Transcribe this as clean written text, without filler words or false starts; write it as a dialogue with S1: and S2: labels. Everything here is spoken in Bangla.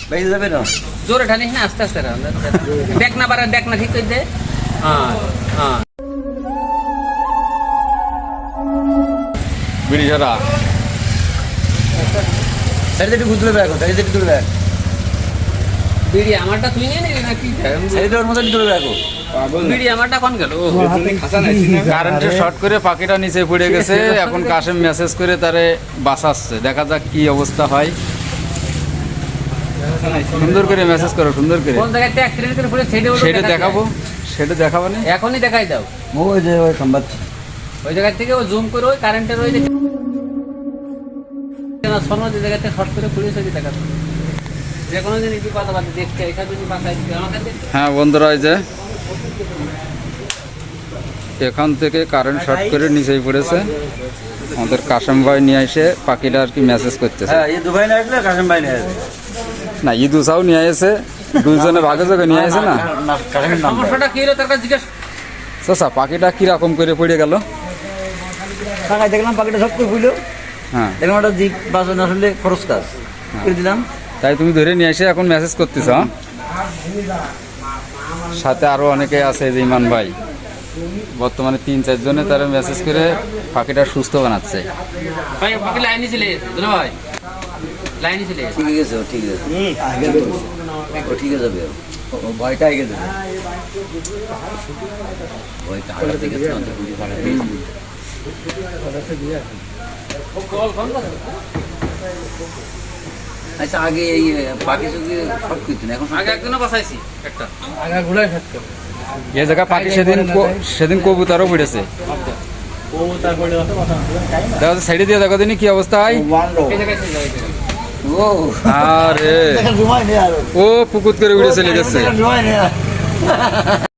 S1: বাইরে যাবে না
S2: জোরে ঢালিস না, আস্তে আস্তে দেখ না পারে, দেখ না ঠিক করে দে। হ্যাঁ হ্যাঁ
S3: বিড়ি ছাড়া
S1: সাইডে একটু ঘুরতে হবে এখন, সাইডে একটু তুলবে
S2: বিড়ি আমারটা তুই নিয়ে নিলি নাকি?
S1: সাইডে ওর মতো একটু তুলবে এখন।
S2: বিড়ি আমারটা কোন গেল?
S3: কারেন্টের শর্ট করে পাখিটা নিচে পড়ে গেছে। এখন কাশেম মেসেজ করে তারে বাঁচাচ্ছে, দেখা যাক কি অবস্থা হয়। সুন্দর করে মেসেজ করো, সুন্দর করে।
S2: কোন জায়গাতে অ্যাক্সিডেন্ট করে পড়ে
S3: সেটা দেখাবো, সেটা দেখাবো না
S2: এখনই দেখাই দাও।
S1: ওই যে ওই খাম্বাত
S2: ওই জায়গা থেকে ও জুম করে ওই কারেন্টের ওই যে সোনো যে জায়গাতে শর্ট করে পুলিশ ওই দেখা দাও। যে কোনো জিনিস কথা বাদ দেখতে এখানে যদি বাসায় আমাকে দেখতে।
S3: হ্যাঁ বন্ধুরা, এই যে এখান থেকে কারেন্ট শর্ট করে নিচেই পড়েছে। আমাদের কাশেম ভাই নিয়ে এসে পাখিটা আর কি মেসেজ করতেছে।
S1: হ্যাঁ এই দুবাই না আসলে কাশেম ভাই নিয়ে আসবে
S3: না, ইদুসাও নিয়ে এসে, দুইজনে ভাগে ভাগে নিয়ে আসে না।
S1: কাশেমের নাম
S2: সমস্যাটা কি হলো তার কাছে জিজ্ঞেস।
S3: চাচা পাখিটা কিরকম করে পড়ে গেল?
S1: টাকায় দেখলাম পাখিটা সব করে বুঝলো,
S3: হ্যাঁ
S1: দেখলাম একটা জিপ বাঁচানো আসলে খরচ কাজ করে দিলাম।
S3: তাই তুমি ধরে নিয়ে এসে এখন মেসেজ করতেছ? হ্যাঁ? সাথে আরো অনেকে আছে, যে ইমান ভাই বর্তমানে 3-4 জনে তারা মেসেজ করে পাখিটা সুস্থ বানাচ্ছে।
S2: ভাই বাকি লাইনে চলে দুলো ভাই, লাইনে চলে
S1: ঠিক আছে ও ঠিক আছে, আগে ও ঠিক আছে যাবে, ও ভয়টা আগে যাবে, ওই কাটা থেকে তো পুলিশ ভাড়া দিয়েছি। আচ্ছা আগে এই পাখি চুকি শর্ট করতেন, এখন
S2: আগে একজনও বাঁচাইছি একটা।
S3: এই জায়গা পাখি সেদিন কবুতরও পড়েছে। দেখো সাইডে দিয়ে দেখো দিনই কি অবস্থা হয়।
S2: এই জায়গায় চলে যাও, এই জায়গায়।
S1: ও
S3: আরে
S1: জুমাই নেই আর
S3: ও পুকুত করে উড়ে চলে গেছে।
S1: জুমাই নেই আর